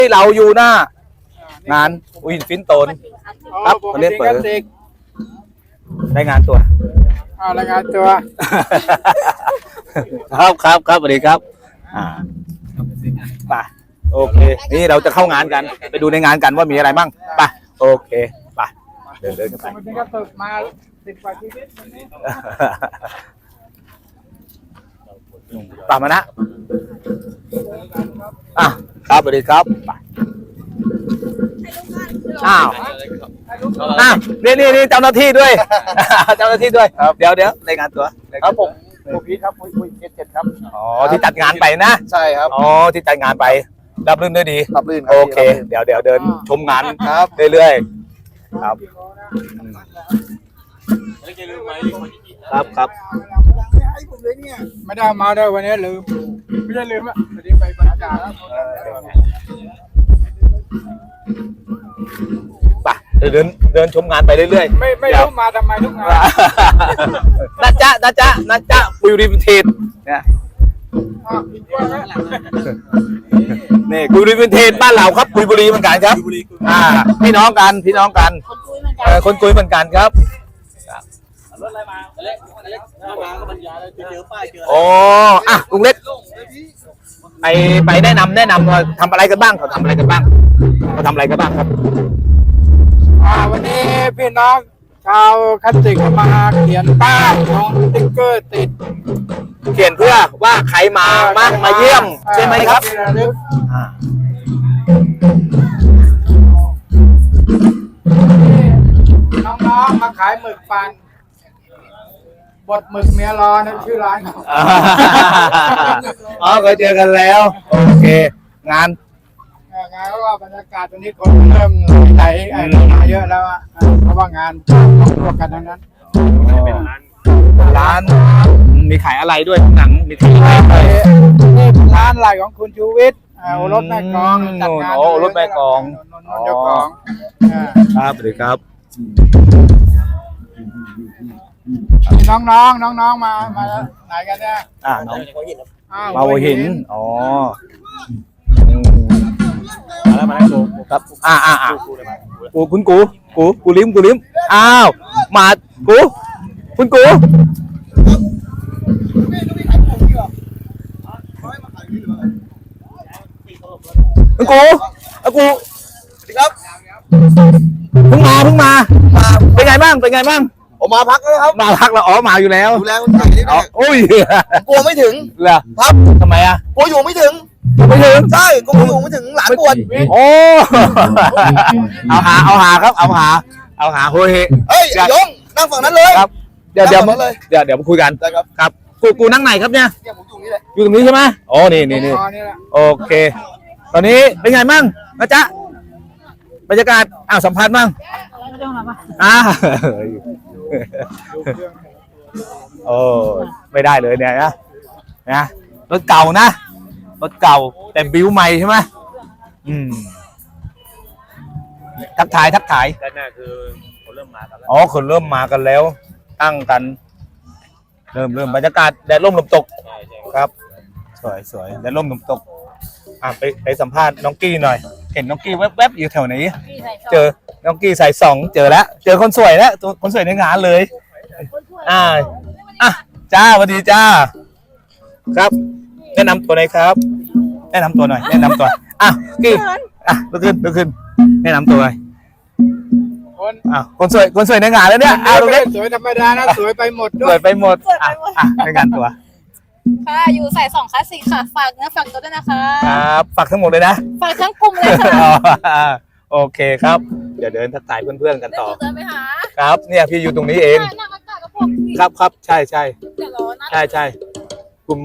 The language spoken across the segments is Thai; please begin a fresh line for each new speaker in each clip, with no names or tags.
ที่เราอยู่หน้างานวินฟินโตนครับเขาเรียกเปิดได้งานตัว
รายงานตัว
ครับสวัสดีครับไปโอเคนี่เราจะเข้างานกันไปดูในงานกันว่ามีอะไรบ้างไปโอเคไปเดินกันไป
วันนี้ก็ตกมา10 กว่าชีวิตวันนี้
ตามมานะครับสวัสดีครับไปนี่เจ้าหน้าที่ด้วยเจ้าหน้าที่ด้วยเดี๋ยวรายงานตัว
ครับผมพีทครับคุย7ครับ
อ๋อที่จัดงานไปนะ
ใช่ครับ
อ๋อที่จัดงานไปรับรื่นด้วยดี
รับรื่น
โอเคเดี๋ยวเดินชมงานครับเรื่อยๆครับ
ไม่ได้มาได้วันนี้ลืมไม่ได้ลืมอ่ะวันนี้ไปบรรยากาศแล้ว
ไปเดินชมงานไปเรื่อย
ๆไม่รู้มาทำไมทุกงาน
นะจ๊ะวิวริมเทนเนี่ยนี่กุยบุรีเป็นเทนบ้านเราครับกุยบุรีเหมือนกันครับพี่น้องกันคนกุยเหมือนกันครับรถอะไรมาเล็กมาก็บรรยายเจอป้ายเจอโอ้ลุงเล็กไปแนะนำว่าทำอะไรกันบ้างเขาทำอะไรกันบ้างครับ
วันนี้พี่น้องชาวคติกมาเขียนป้ายของสติ๊กเกอร์ติด
เขียนเพื่อว่าใครมาเยี่ยมใช่ไหมครับ
น้องๆมาขายหมึกปันบดหมึกเมียรอนะชื่อร้านเขา
เคยเจอกันแล้วโอเคงาน
ก็ว่าบรรยากาศตรงนี้คนเริ่มไหลมาเยอะแล้วเพราะว่างานรวมกันทั้งนั้น
ร้านมีขายอะไรด้วยหนังมีขายอะไร
นี่ร้านไหลของคุณชูวิทย์รถแม่กองจัดงาน
รถแม่กอง
เจ้าของ
ครับสวัสดีครับ
น้องมาไหนกันเนี่ย
น้องมาหัวหินอ๋อมาแล้วครับกูลิ้มอ้าวมาคุณกูสวัสดีครับเพิ่งมาเป็นไงบ้าง
ผมมาพักแล้วครับ
มาพักแล้วมาอยู่แล้ว
ดูแลคนไทยนี่ด้วย
โอ้ย
กลัวไม่ถึง
เหรอ
ครับ
ทำไม
กลัวอยู่ไม่ถึงใช่กลัวอยู่ไม่ถึงหลานปวด
โอ้เอาหาครับเอาหาโฮเฮ
เฮ้ยยงนั่งฝั่งนั้นเลย
ครับเดี๋ยวมาคุยกันครับกูนั่งไหนครับเนี่ย
ผมอยู่นี่แหละ
อยู่ตรงนี้ใช่ไหมอ๋อนี่โอเคตอนนี้เป็นไงมั่งนะจ๊ะบรรยากาศสัมภาษณ์มั่งโอ้ไม่ได้เลยเนี่ยนะรถเก่านะรถเก่าแต่บิวใหม่ใช่ไหมทักทายด้านหน้าคือคนเริ่มมากันแล้วคนเริ่มมากันแล้วตั้งกันเริ่มบรรยากาศแดดร่มลมตกครับสวยแดดร่มลมตกไปสัมภาษณ์น้องกี้หน่อยเห็นน้องกี้แวบๆอยู่แถวไหนเจอน้องกี้ใส่2เจอแล้วเจอคนสวยแล้วคนสวยในงานเลยจ้าสวัสดีจ้าครับแนะนำตัวหน่อยครับแนะนำตัวกี้ลุกขึ้นแนะนำตัวหน่อยคนสวยในงานแล้วเนี่ย
สวยธรรมดานะสวยไปหมด
ด้วยสวยไปหมดในงานตัว
ค่ะอยู่ใส่2 คลาสสิกค่ะฝากเนื้อฝากตัวด้วยนะคะ
ครับฝากทั้งหมดเลยนะ
ฝากทั้งกลุ่มเลยค่ะ
โอเคครับเดี๋ยวเดินทักทายเพื่อนๆกันต่อ
เดินไปหา
ครับเนี่ยพี่อยู่ตรงนี้เองครับใช่ใช่กลุ่ม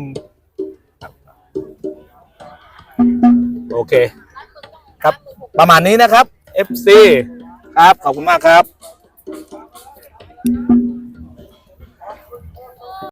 โอเคครับประมาณนี้นะครับ FC ครับขอบคุณมากครับ